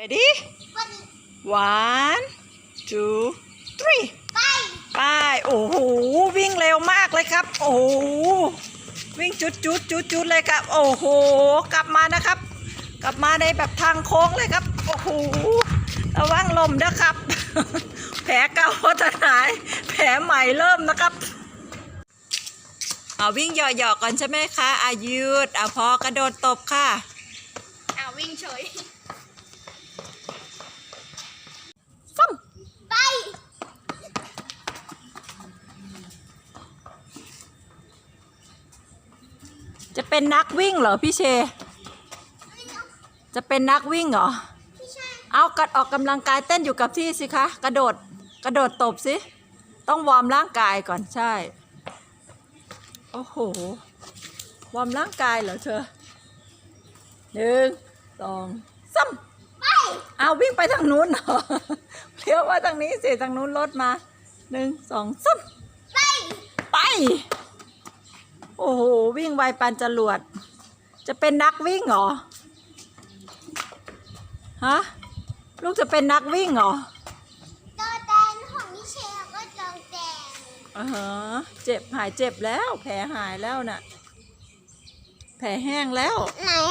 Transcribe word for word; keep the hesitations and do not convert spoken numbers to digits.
ready one two three ไปไปโอ้โหวิ่งเร็วมากเลยครับโอ้โหวิ่งจุดจุดจุดจุดเลยครับโอ้โหกลับมานะครับกลับมาในแบบทางโค้งเลยครับโอ้โหระวังลมนะครับ แผลเก่าจะหายแผลใหม่เริ่มนะครับเอาวิ่งเหยาะๆก่อนใช่ไหมคะอายืดเอาพอกระโดดตบค่ะเอาวิ่งเฉยฟั่มไปจะเป็นนักวิ่งเหรอพี่เชจะเป็นนักวิ่งเหรอเอากัดออกกำลังกายเต้นอยู่กับที่สิคะกระโดดกระโดดตบสิต้องวอร์มร่างกายก่อนใช่โอ้โหวอร์มร่างกายเหรอเธอหนึ่งสองสามไปเอาวิ่งไปทางนู้นเหรอเลี้ยวว่าทางนี้สิทางนู้นรถมาหนึ่งสองสามไปไปโอ้โหวิ่งไวปานจรวดจะเป็นนักวิ่งเหรอฮะลูกจะเป็นนักวิ่งเหรอโดแดนของมิเชลก็โดแดนอ่าฮะเจ็บหายเจ็บแล้วแผลหายแล้วน่ะแผลแห้งแล้วไหน